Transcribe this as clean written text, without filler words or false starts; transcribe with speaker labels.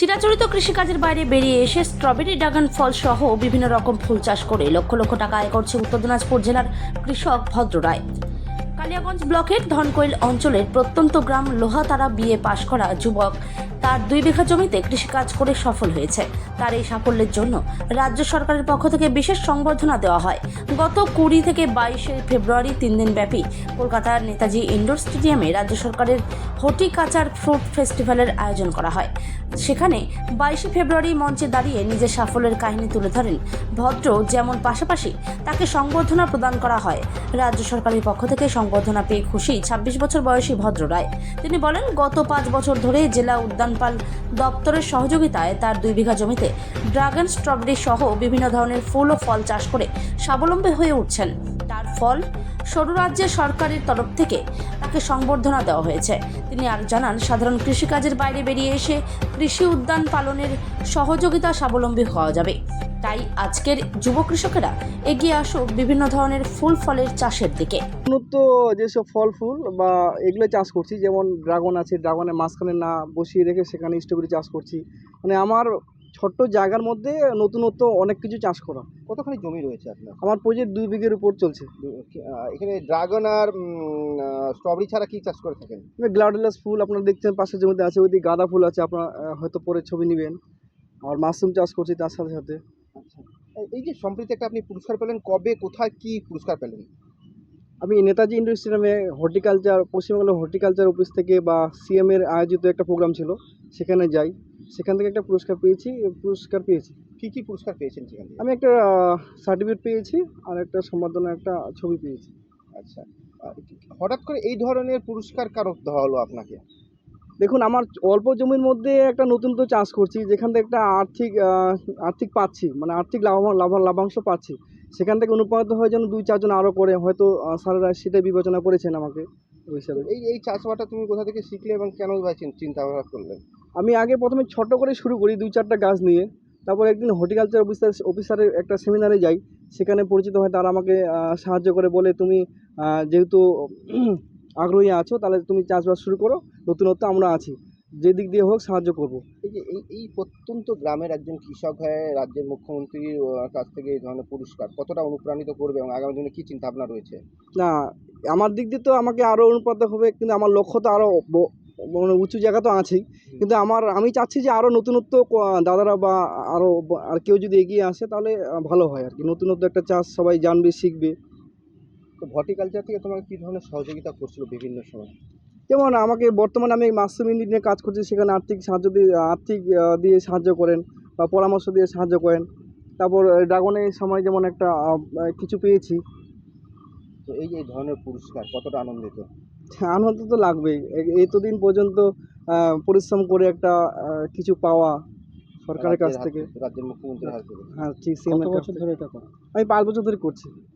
Speaker 1: চিরাচরিত কৃষিকাজের বাইরে বেরিয়ে এসে স্ট্রবেরি ড্রাগন ফল সহ বিভিন্ন রকম ফুল চাষ করে লক্ষ লক্ষ টাকা আয় করছে উত্তর দিনাজপুর জেলার কৃষক ভদ্র রায়। কালিয়াগঞ্জ ব্লকের ধনকৈল অঞ্চলের প্রত্যন্ত গ্রাম লোহাতারা বিএ পাশ করা যুবক তার 2 বিঘা জমিতে কৃষিকাজ করে সফল হয়েছে। তার এই সাফল্যের জন্য রাজ্য সরকারের পক্ষ থেকে বিশেষ সংবর্ধনা দেওয়া হয়। গত 20 থেকে 22 ফেব্রুয়ারি 3 দিন ব্যাপী কলকাতার নেতাজি ইন্ডোর স্টেডিয়ামে রাজ্য সরকারের হর্টিকালচার ফ্রুট ফেস্টিভ্যালের আয়োজন করা হয়। সেখানে 22 ফেব্রুয়ারি মঞ্চে দাঁড়িয়ে নিজের সাফল্যের কাহিনী তুলে ধরেন ভদ্র, যেমন পাশাপাশি তাকে সংবর্ধনা প্রদান করা হয়। রাজ্য সরকারের পক্ষ থেকে সংবর্ধনা পেয়ে খুশি 26 বছর বয়সী ভদ্র রায়। তিনি বলেন, গত 5 বছর ধরে জেলা উদ্যানপাল দপ্তরের সহযোগিতায় তার 2 বিঘা জমিতে ড্রাগন, স্ট্রবেরি সহ বিভিন্ন ধরনের ফুল ও ফল চাষ করে স্বাবলম্বী হয়ে উঠছেন। তার ফল সরু রাজ্যের সরকারের তরফ থেকে তাকে সংবর্ধনা দেওয়া হয়েছে। তিনি আর জানান, সাধারণ কৃষিকাজের বাইরে বেরিয়ে এসে কৃষি উদ্যান পালনের সহযোগিতা স্বাবলম্বী হওয়া যাবে। তাই আজকের যুব কৃষকেরা এগিয়ে আসুক বিভিন্ন ধরনের ফুল ফলের চাষের দিকে।
Speaker 2: উন্নত যেসব ফল ফুল বা এগুলো চাষ করছি, যেমন ড্রাগন আছে, ড্রাগনের মাঝখানে না বসিয়ে রেখে সেখানে স্ট্রবেরি চাষ করছি। মানে আমার ছোট্ট জায়গার মধ্যে নতুনত্ব অনেক কিছু চাষ করা।
Speaker 3: কতখানি জমি রয়েছে আপনার?
Speaker 2: আমার প্রজেক্ট 2 বিঘের উপর চলছে।
Speaker 3: এখানে ড্রাগন আর স্ট্রবেরি ছাড়া কি চাষ করে থাকেন?
Speaker 2: গ্লাডিওলাস ফুল আপনারা দেখছেন পাশের জমিতে আছে, ওইদিকে গাঁদা ফুল আছে, আপনারা হয়তো পরে ছবি নেবেন। আর মাশরুম চাষ করছি তার সাথে সাথে।
Speaker 3: আচ্ছা, এই যে সম্প্রতি একটা আপনি পুরস্কার পেলেন, কবে, কোথায়, কি পুরস্কার পেলেন?
Speaker 2: আমি নেতাজি ইন্ডোর স্টেডিয়ামে হর্টিকালচার, পশ্চিমবঙ্গ হর্টিকালচার অফিস থেকে বা সিএম এর আয়োজিত একটা প্রোগ্রাম ছিল, সেখানে যাই। সেখান থেকে একটা পুরস্কার পেয়েছি।
Speaker 3: কি পুরস্কার পেয়েছেন সেখান থেকে?
Speaker 2: আমি একটা সার্টিফিকেট পেয়েছি আর একটা সম্বর্ধনা, একটা ছবি পেয়েছি।
Speaker 3: আচ্ছা, হঠাৎ করে এই ধরনের পুরস্কার কারো দেওয়া হলো আপনাকে?
Speaker 2: দেখুন, আমার অল্প জমির মধ্যে একটা নতুনত্ব চাষ করছি, যেখান থেকে একটা আর্থিক পাচ্ছি, মানে আর্থিক লাভাংশ পাচ্ছি। সেখান থেকে অনুপ্রাণিত হয়ে যেন 2-4 জন আরও করে, হয়তো স্যারেরা সেটাই বিবেচনা করেছেন আমাকে ওই হিসাবে।
Speaker 3: এই চাষবাসটা তুমি কোথা থেকে শিখলে এবং কেন বা চিন্তা ভাবনা করলেন?
Speaker 2: আমি আগে প্রথমে ছোট করে শুরু করি 2-4টা গাছ নিয়ে। তারপর একদিন হর্টিকালচার অফিসারের একটা সেমিনারে যাই। সেখানে পরিচিত হয়, তারা আমাকে সাহায্য করে, বলে তুমি যেহেতু আগ্রহী আছো, তাহলে তুমি চাষবাস শুরু করো, নতুনত্ব আমরা আছি, যে দিক দিয়ে হোক সাহায্য করব।
Speaker 3: এই যে এই প্রত্যন্ত গ্রামের একজন কৃষক হয়ে রাজ্যের মুখ্যমন্ত্রীর কাছ থেকে এই ধরনের পুরস্কার কতটা অনুপ্রাণিত করবে এবং আগামী দিনে কী চিন্তা ভাবনা রয়েছে?
Speaker 2: না, আমার দিক দিয়ে তো আমাকে আরও অনুপ্রাণিত হবে, কিন্তু আমার লক্ষ্য তো আরও মানে উঁচু জায়গা তো আছেই। কিন্তু আমি চাচ্ছি যে আরও নতুনত্ব দাদারা বা আর কেউ যদি এগিয়ে আসে, তাহলে ভালো হয় আর কি। নতুনত্ব একটা চাষ সবাই জানবে, শিখবে।
Speaker 3: তো হর্টিকালচার থেকে তোমাকে কী ধরনের সহযোগিতা করছিল বিভিন্ন সময়?
Speaker 2: যেমন আমাকে বর্তমানে আমি মাশরুম ইউনিট নিয়ে কাজ করছি, সেখানে আর্থিক দিয়ে সাহায্য করেন বা পরামর্শ দিয়ে সাহায্য করেন। তারপর ড্রাগনের সময় যেমন একটা কিছু পেয়েছি।
Speaker 3: তো এই যে এই ধরনের পুরস্কার কতটা আনন্দিত?
Speaker 2: আনন্দ তো লাগবেই। এতদিন পর্যন্ত পরিশ্রম করে একটা কিছু পাওয়া সরকারের কাছ থেকে,
Speaker 3: রাজ্যের মুখ্যমন্ত্রীর হাত থেকে।
Speaker 2: হ্যাঁ ঠিক।
Speaker 3: কত বছর ধরে এটা করো?
Speaker 2: আমি 5 বছর ধরে করছি।